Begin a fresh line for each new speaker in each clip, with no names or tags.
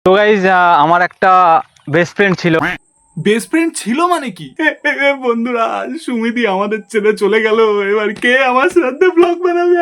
তো গাইজ আমার একটা বেস্ট ফ্রেন্ড ছিল।
বেস্ট ফ্রেন্ড ছিল মানে কি? বন্ধুরা, সুমিতি আমাদের ছেড়ে চলে গেল, এবার কে আমার শ্রাদ্ধে ব্লগ বানাবে?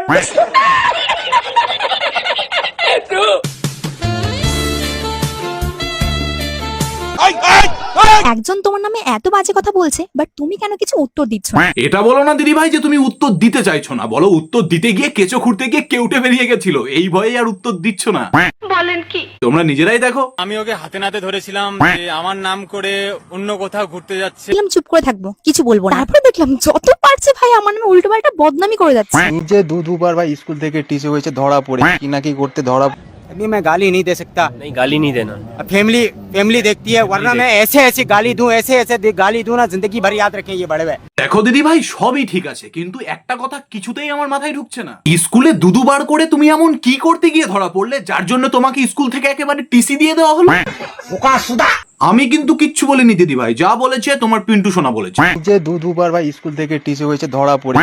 একজন তোমার নামে এত বাজে কথা বলছে, বাট তুমি কেন কিছু উত্তর দিচ্ছ না?
এটা বলো না দিদি ভাই যে তুমি উত্তর দিতে চাইছো না, বলো উত্তর দিতে গিয়ে কেঁচো খুঁড়তে গিয়ে কেউটে বেরিয়ে গেছিল, এই ভয়ে আর উত্তর দিচ্ছ না।
বলেন কি?
তোমরা নিজেরাই দেখো।
আমি ওকে হাতে নাতে ধরেছিলাম যে আমার নাম করে অন্য কোথাও ঘুরতে যাচ্ছে।
দেখলাম চুপ করে থাকবো, কিছু বলবো না। তারপরে দেখলাম যত পারছে ভাই আমার নামে উল্টো পাল্টা বদনামি করে যাচ্ছে।
নিজে দুবার ভাই স্কুল থেকে টিসে হয়েছে ধরা পড়ে কি নাকি করতে ধরা।
अभी मैं गाली नहीं दे सकता।
नहीं, गाली नहीं देना।
फैमिली देखती है, वरना मैं ऐसे गाली दूं, ऐसे गाली दूं ना, जिंदगी भर याद रखें ये बड़े हुए।
দেখো দিদি ভাই, সবই ঠিক আছে, কিন্তু একটা কথা কিছুতেই আমার মাথায় ঢুকছে না। স্কুলে দুবার করে তুমি এমন কি করতে গিয়ে ধরা পড়লে যার জন্য তোমাকে স্কুল থেকে একেবারে টিসি দিয়ে দেওয়া হলো? আমি কিন্তু কিচ্ছু বলিনি দিদি ভাই, যা বলেছে তোমার পিন্টু সোনা বলেছে।
নিজে দুবার ভাই স্কুল থেকে টিসে হয়েছে ধরা পড়ে।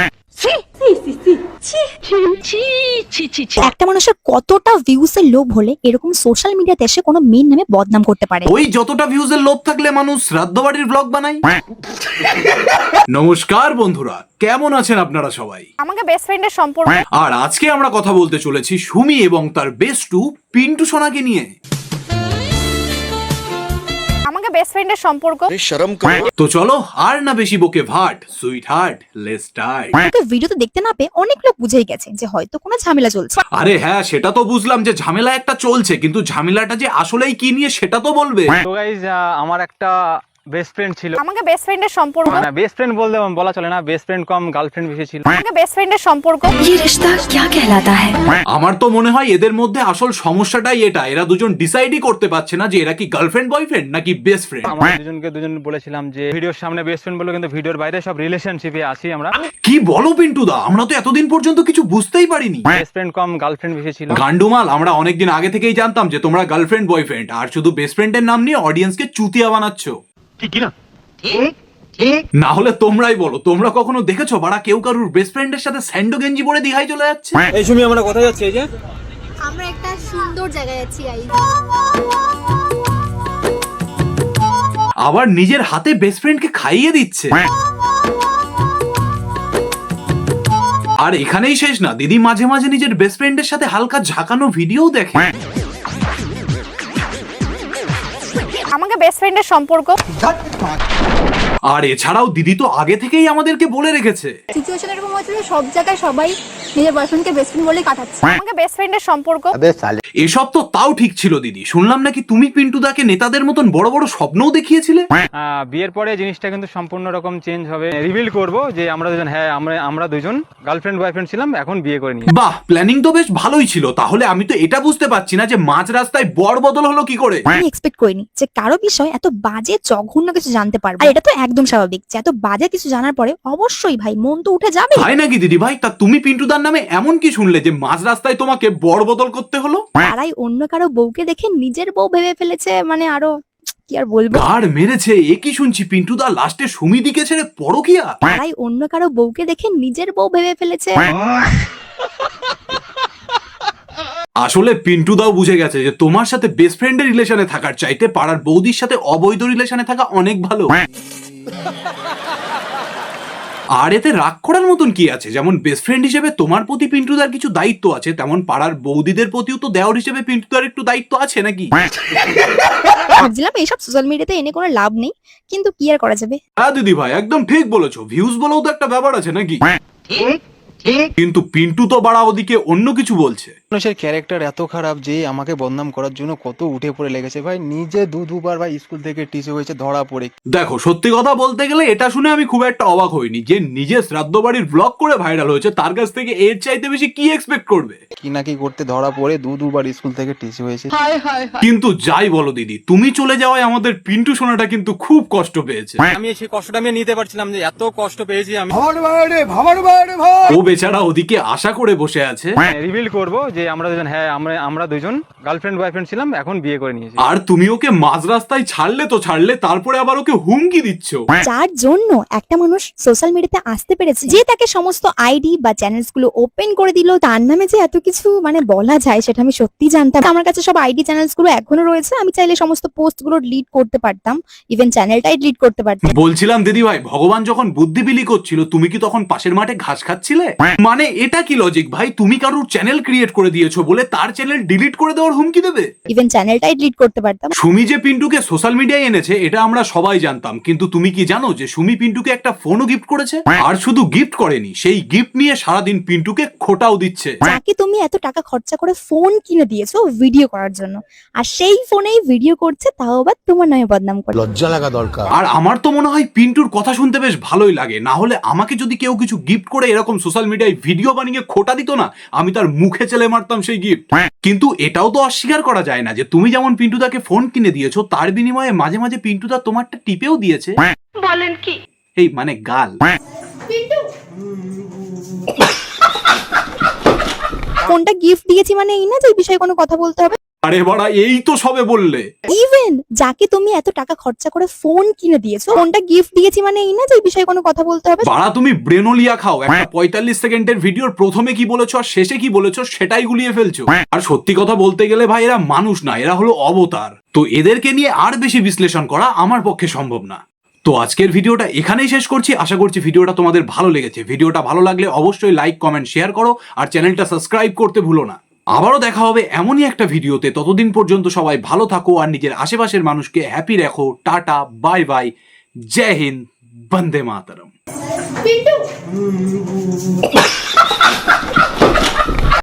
একটা মানুষের কতটা ভিউজ এর লোভ হলে এরকম সোশ্যাল মিডিয়াতে এসে কোনো মেয়ের নামে বদনাম করতে পারে?
ওই যতটা ভিউজের লোভ থাকলে মানুষ শ্রাদ্ধ বাড়ির ব্লগ বানায়। নমস্কার বন্ধুরা, কেমন আছেন আপনারা সবাই?
আমাকে বেস্ট ফ্রেন্ডের সম্পর্ক।
আর আজকে আমরা কথা বলতে চলেছি সুমি এবং তার বেস্টু পিন্টু সোনাকে নিয়ে।
আমাকে বেস্ট ফ্রেন্ডের সম্পর্ক।
তো চলো আর না বেশি বকে ভাট, sweetheart, let's start.
Okay ভিডিওতে দেখতে না পেয়ে অনেক লোক বুঝেই গেছে যে হয়তো কোনো ঝামেলা চলছে।
আরে হ্যাঁ, সেটা তো বুঝলাম যে ঝামেলা একটা চলছে, কিন্তু ঝামেলাটা যে আসলেই কি নিয়ে সেটা তো বলবে।
তো গাইজ আমার একটা বেস্ট ফ্রেন্ড ছিল।
আমাকে বেস্ট ফ্রেন্ডের সম্পর্ক।
না, বেস্ট ফ্রেন্ড বলা চলে না, বেস্ট ফ্রেন্ড কম গার্লফ্রেন্ড বেশি ছিল।
আমাকে বেস্ট ফ্রেন্ডের সম্পর্ক।
আমার তো মনে হয় এদের মধ্যে আসল সমস্যাটাই এটা, এরা দুজন ডিসাইডই করতে পারছে না যে এরা কি গার্লফ্রেন্ড বয়ফ্রেন্ড নাকি বেস্ট ফ্রেন্ড।
আমরা দুজন বলেছিলাম যে ভিডিওর সামনে বেস্ট ফ্রেন্ড বলে, কিন্তু ভিডিওর বাইরে সব রিলেশনশিপে আছি আমরা।
কি বলো পিন্টু দা, আমরা তো এতদিন পর্যন্ত কিছু বুঝতেই পারিনি।
বেস্ট ফ্রেন্ড কম গার্লফ্রেন্ড বেশি ছিল।
গান্ডুমাল, আমরা অনেকদিন আগে থেকেই জানতাম যে তোমরা গার্লফ্রেন্ড বয়ফ্রেন্ড, আর শুধু বেস্ট ফ্রেন্ডের নাম নিয়ে অডিয়েন্সকে চুতিয়া বানাচ্ছ। না হলে তোমরাই বলো, তোমরা কখনো দেখেছো বাড়া কেউ কারুর বেস্ট ফ্রেন্ডের সাথে স্যান্ডো গেঞ্জি পরে দীঘায় চলে যাচ্ছে?
এই সুমি, আমরা কোথায় যাচ্ছি? এই যে
আমরা একটা সুন্দর জায়গায় আছি গাইস।
আবার নিজের হাতে বেস্ট ফ্রেন্ডকে খাইয়ে দিচ্ছে। আর এখানেই শেষ না, দিদি মাঝে মাঝে নিজের বেস্ট ফ্রেন্ডের সাথে হালকা ঝাঁকানো ভিডিও দেখে।
আমাকে বেস্ট ফ্রেন্ডের সম্পর্ক।
আর এছাড়াও দিদি তো আগে থেকেই আমাদেরকে বলে রেখেছে।
সিচুয়েশন এরকম হচ্ছে যে সব জায়গায় সবাই নিজের বয়ফ্রেন্ডকে বেস্ট ফ্রেন্ড বলে কাটাচ্ছে।
আমাকে বেস্ট ফ্রেন্ডের সম্পর্ক।
এসব তো তাও ঠিক ছিল দিদি, শুনলাম নাকি তুমি পিন্টু দাকে নেতাদের মতন বড় বড় স্বপ্নও দেখিয়েছিলে।
বিয়ের পরে জিনিসটা কিন্তু সম্পূর্ণ রকম চেঞ্জ হবে। রিভিল করব যে আমরা দুজন, হ্যাঁ আমরা দুজন গার্লফ্রেন্ড বয়ফ্রেন্ড ছিলাম, এখন বিয়ে করে নিই।
বাহ, প্ল্যানিং তো বেশ ভালোই ছিল। তাহলে আমি তো এটা বুঝতে পারছি না যে মাঝ রাস্তায় বড় বদল হলো কি করে।
আমি এক্সপেক্ট করিনি যে কারো বিষয় এত বাজে জঘন্য কিছু জানতে পারবো। আর এটা তো একদম স্বাভাবিক যে এত বাজে কিছু জানার পরে অবশ্যই ভাই মন তো উঠে যাবে।
তাই নাকি দিদি ভাই? তা তুমি পিন্টু দার নামে এমন কি শুনলে যে মাঝ রাস্তায় তোমাকে বড় বদল করতে হলো?
তারাই অন্য কারো বউকে দেখে নিজের বউ ভেবে ফেলেছে, মানে আরো কি আর বলবো।
গাড় মেরেছে, এ কি শুনছি? পিন্টু দা লাস্টে সুমিদিকে ছেড়ে পরকিয়া?
তারাই অন্য কারো বউকে দেখে নিজের বউ ভেবে ফেলেছে।
আসলে পিন্টু দাও বুঝে গেছে যে তোমার সাথে বেস্ট ফ্রেন্ডের রিলেশনে থাকার চাইতে পাড়ার বৌদির সাথে অবৈধ রিলেশনে থাকা অনেক ভালো। আর এতে রাগ করার মতন কি আছে? যেমন বেস্ট ফ্রেন্ড হিসেবে তোমার প্রতি পিন্টুদার কিছু দায়িত্ব আছে, তেমন পাড়ার বৌদিদের প্রতিও তো দেওর হিসেবে পিন্টুদার একটু দায়িত্ব আছে নাকি?
ভাবছিলাম এইসব সোশ্যাল মিডিয়াতে এনে কোনো লাভ নেই, কিন্তু কি আর করা যাবে।
হ্যাঁ দিদি ভাই, একদম ঠিক বলেছো, ভিউজ বলেও তো একটা ব্যাপার আছে নাকি? কিন্তু পিন্টু তো বাড়া ওদিকে অন্য কিছু বলছে।
মানুষের ক্যারেক্টার এত খারাপ যে আমাকে বদনাম করার জন্য কত উঠে পড়ে লেগেছে ভাই। নিজে দুবার ভাই স্কুল থেকে টিসে হয়েছে ধরা পড়ে।
দেখো, সত্যি কথা বলতে গেলে এটা শুনে আমি খুব একটা অবাক হইনি। যে নিজে শ্রাদ্ধ বাড়ির ব্লগ করে ভাইরাল হয়েছে, তার কাছ থেকে এর চাইতে বেশি কি এক্সপেক্ট করবে?
কি নাকি করতে ধরা পড়ে দুবার স্কুল থেকে টিসে হয়েছে।
কিন্তু যাই বলো দিদি, তুমি চলে যাওয়ায় আমাদের পিন্টু সোনাটা কিন্তু খুব কষ্ট পেয়েছে।
আমি সেই কষ্টটা আমি নিতে পারছিলাম যে এত কষ্ট পেয়েছি আমি।
ও বেচারা ওদিকে আশা করে বসে আছে।
রিভিল করব যে আমরা দুজন হ্যাঁ আমরা দুজন গার্লফ্রেন্ড বয়ফ্রেন্ড ছিলাম, এখন বিয়ে করে নিয়েছি।
আর তুমি ওকে মাঝ রাস্তায় ছাড়লে তো ছাড়লে, তারপরে আবার ওকে হুমকি দিচ্ছ।
যার জন্য একটা মানুষ সোশ্যাল মিডিয়াতে আসতে পেরেছে, যে তাকে সমস্ত আইডি বা চ্যানেলস গুলো ওপেন করে দিল, তার নামে যে এত কিছু মানে বলা যায় সেটা আমি সত্যি জানতাম। আমার কাছে সব আইডি চ্যানেলস গুলো এখনো রয়েছে, আমি চাইলে সমস্ত পোস্ট গুলো ডিলিট করতে পারতাম, ইভেন চ্যানেলটাই ডিলিট করতে পারতাম।
বলছিলাম দিদি ভাই, ভগবান যখন বুদ্ধি বিলি করছিল তুমি কি তখন পাশের মাঠে ঘাস খাচ্ছিলে? মানে এটা কি লজিক ভাই? তুমি কারোর চ্যানেল ক্রিয়েট করে দিয়েছো বলে তার চ্যানেল ডিলিট করে দেওয়ার হুমকি দেবে?
ইভেন চ্যানেলটাই ডিলিট করতে পারতাম।
সুমি যে পিন্টুকে সোশ্যাল মিডিয়ায় এনেছে এটা আমরা সবাই জানতাম, কিন্তু তুমি কি জানো যে সুমি পিন্টুকে একটা ফোনও গিফট করেছে? আর শুধু গিফট করেনি, সেই গিফট নিয়ে সারাদিন পিন্টুকে খোটাও দিচ্ছে।
যাকে তুমি এত টাকা খরচা করে ফোন কিনে দিয়েছো ভিডিও করার জন্য, আর সেই ফোনেই ভিডিও করছে, তাও আবার তোমার নামে বদনাম করে।
লজ্জা লাগা দরকার।
আর আমার তো মনে হয় পিন্টুর কথা শুনতে বেশ ভালোই লাগে, না হলে আমাকে যদি কেউ কিছু গিফট করে এরকম সোশ্যাল মিডিয়ায় ভিডিও বানিয়ে খোটা দিত না, আমি তার মুখে চেলে মারতাম সেই গিফট। কিন্তু এটাও তো অস্বীকার করা যায় না যে তুমি যেমন পিন্টুদাকে ফোন কিনে দিয়েছো, তার বিনিময়ে মাঝে মাঝে পিন্টুদা তোমারটা টিপেও দিয়েছে।
বলেন কি?
এই মানে গাল।
ফোনটা গিফট দিয়েছি মানে এই না যে এই বিষয়ে কোনো কথা বলতে হবে।
আরে বাড়া, এই তো সবে বললে।
ইভেন যাকে তুমি এত টাকা খরচা করে ফোন কিনে দিয়েছো, ফোনটা গিফট দিয়েছি মানে এই না যে এই বিষয়ে কোনো কথা বলতে হবে।
বাড়া তুমি ব্রেনোলিয়া খাও, একটা 45 সেকেন্ডের ভিডিওর প্রথমে কি বলেছো আর শেষে কি বলেছো সেটাই গুলিয়ে ফেলছো। আর সত্যি কথা বলতে গেলে ভাই, এরা মানুষ না, এরা হলো অবতার। তো এদেরকে নিয়ে আর বেশি বিশ্লেষণ করা আমার পক্ষে সম্ভব না। তো আজকের ভিডিওটা এখানেই শেষ করছি। আশা করছি ভিডিওটা তোমাদের ভালো লেগেছে। ভিডিওটা ভালো লাগলে অবশ্যই লাইক, কমেন্ট, শেয়ার করো আর চ্যানেলটা সাবস্ক্রাইব করতে ভুলো না। আবারও দেখা হবে এমনই একটা ভিডিওতে। ততদিন পর্যন্ত সবাই ভালো থাকো আর নিজের আশেপাশের মানুষকে হ্যাপি রাখো। Ta-ta, bye bye, Jai Hind, Vande মাতরম।